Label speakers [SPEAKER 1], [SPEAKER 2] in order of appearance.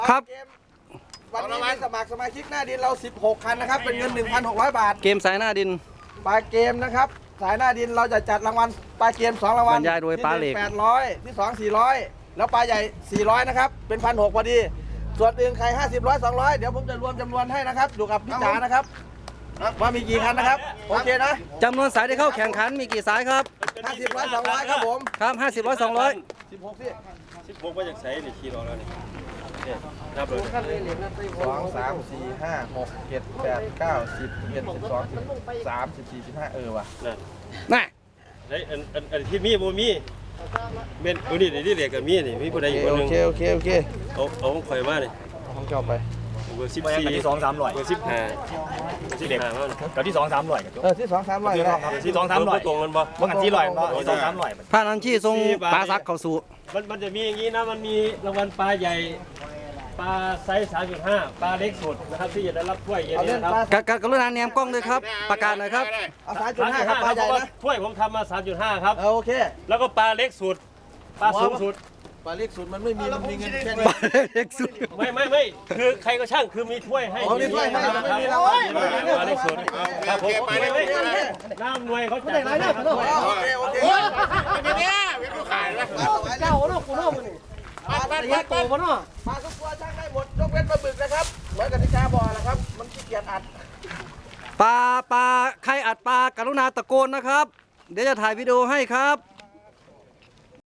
[SPEAKER 1] ครับ
[SPEAKER 2] วันนี้มีสมัครสมาชิกหน้าดินเรา16คันนะครับเป็นเงิน 1,600 บาท
[SPEAKER 1] เกมสายหน้าดิน
[SPEAKER 2] ปลาเกมนะครับสายหน้าดินเราจะจัดรางวัลปลาเกม2รางวัล
[SPEAKER 1] บรรยายโดยปลาเหล็ก
[SPEAKER 2] ที่800ที่2 400แล้วปลาใหญ่400นะครับเป็น 1,600พอดีส่วนอื่นใคร50 100 200เดี๋ยวผมจะรวมจำนวนให้นะครับอยู่กับพี่จ๋านะครับว่ามีกี่คันนะครับโอเคนะ
[SPEAKER 1] จำนวนสายที่เข้าแข่งขันมีกี่สายครับ
[SPEAKER 2] 50 100 200ครับผม
[SPEAKER 1] ครับ50 100 200
[SPEAKER 2] 16สิ
[SPEAKER 3] 16ว่าจากไสนี่ขี่รอแล้วนี่นับเลย
[SPEAKER 2] 2 3 4 5 6 7 8 9 10 11 12 13 14 15ว่ะ
[SPEAKER 3] นั่น
[SPEAKER 1] น่ะ
[SPEAKER 3] ไอ้อันที่มีบ่มีเม่นตัวนี้นี่เรียกกันมีนี่มีผู้ใดอยู่คนนึง
[SPEAKER 2] โอเค
[SPEAKER 3] เอาของข่อยมานี่
[SPEAKER 2] ของเจ้าไป
[SPEAKER 3] เบอร์14
[SPEAKER 4] กับที่2-300
[SPEAKER 3] เบอร์15มา
[SPEAKER 4] กับที่2-300กับ
[SPEAKER 2] ที่2 300ก็ได้
[SPEAKER 4] ที่2-300
[SPEAKER 3] ตรงกันบ่
[SPEAKER 4] ว่ากัน400บ่ที่2-300
[SPEAKER 1] ผ่านอันชี้ทรงปลาซักเข้าสู่
[SPEAKER 3] มันจะมีอย่างนี้นะมันมีรางวัลปลาใหญ่ปลาไซส์ 3.5 ปลาเล็กสุดนะครับที่จะได้รับถ้วยอย่างนี้นะครับ
[SPEAKER 1] กรุณาแนมกล้องด้วยครับประกาศหน่อยครับ
[SPEAKER 2] เอา3.5ครับปลาใหญ่นะ
[SPEAKER 3] ถ้วยผมทำมา 3.5 ครับ
[SPEAKER 2] โอเค
[SPEAKER 3] แล้วก็ปลาเล็กสุดปลาสูงสุด
[SPEAKER 2] ปลาเล็กสุดมันไม่มีมันมีเงินแค่นี้
[SPEAKER 1] ปลาเล็กสุด
[SPEAKER 3] ไม่คือใครก็ช่างคือมีถ้วยให้
[SPEAKER 2] มีถ้วยให้ไม่มีรางวัล
[SPEAKER 3] ปลาเล็กสุดครับผมน้ำหน่วยเขาจัดให้
[SPEAKER 2] โอเคเป็นเนี่ยเป็นผู้ขายนะเจ้าเนาะกูเนาะมึงปลาโตมาเนาะปลาทุกตัวช่างได้หมดยกเว้นปลาบึกนะครับเหมือนกับที่ชาบอกนะครับมันขี้เกียจอัด
[SPEAKER 1] ปลาใครอัดปลากรุณาตะโกนนะครับเดี๋ยวจะถ่ายวิดีโอให้ครับ